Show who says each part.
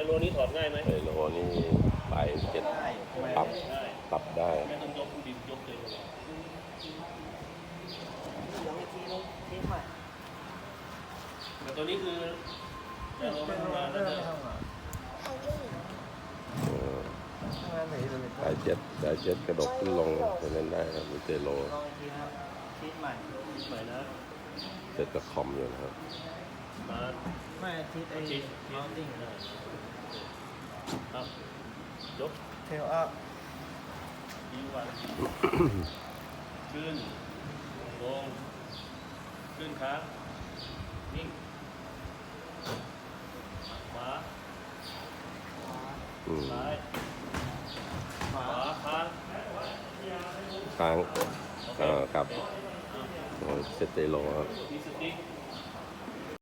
Speaker 1: โลนี้ถอดง่ายไหม
Speaker 2: ไฮโลนี่ปลายเจ็ดปรับได้
Speaker 1: ไม่ต้องยกดินยกเลย
Speaker 3: ลองอีกทีนึงทีใหม่
Speaker 1: แต่ตัวนี้คือไฮโลมันทำงานแล้วนะ
Speaker 2: ปลายเจ็ดกระดกขึ้นลงจะเล่นได้ครับมีเจโล
Speaker 3: ลองอีกทีครับทีใหม่
Speaker 1: ใหม่นะ
Speaker 2: เสร็จกับคอมอยู่นะครับ
Speaker 1: มา
Speaker 3: ไม่ทีไอ้มาวติ้ง
Speaker 1: ครับยก
Speaker 3: เทลอัพ
Speaker 1: ดีกว่าขึ้นลงขึ้นขานิ่งขวาซ้ายขวาค้าง
Speaker 2: ครับเสร็จเจโลครับ
Speaker 1: มีสติ๊ก